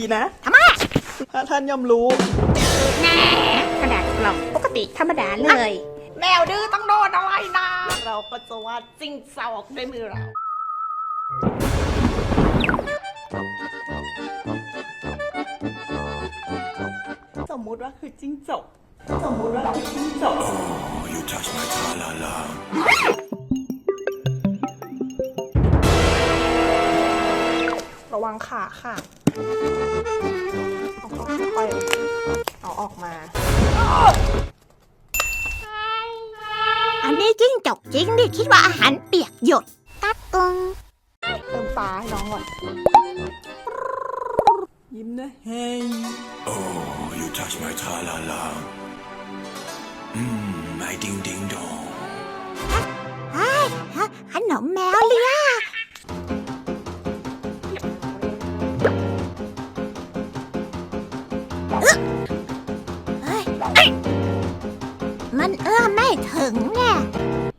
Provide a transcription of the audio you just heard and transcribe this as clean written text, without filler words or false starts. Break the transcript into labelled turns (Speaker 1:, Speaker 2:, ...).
Speaker 1: ดีนะ
Speaker 2: ทำไม
Speaker 1: ถ้าท่านย่อมรู้
Speaker 2: แน่กระดาษกล่องปกติธรรมดาเลย
Speaker 1: แมวดื้อต้องโดนอะไรนะ เราก็จะวาดจิ้งจอกด้วยมือเรา สมมุติว่าคือจิ้งจกสมมุติว่าคือจิ้งจก
Speaker 3: You touch my tra-la-la.
Speaker 1: ระวังขาค่ะค่อยๆเอาออกมา
Speaker 2: อันนี้จิ้งจกจริงดิคิดว่าอาหารเปียกหยดกักกง
Speaker 1: เติมปลาให้น้องก่อน ยิ้มนะเฮ้ย
Speaker 3: Oh, you touch my tra-la-la. My ding ding dong.
Speaker 2: ขนมแมวเลียเฮ้ยมันเอื้อมไม่ถึงแน่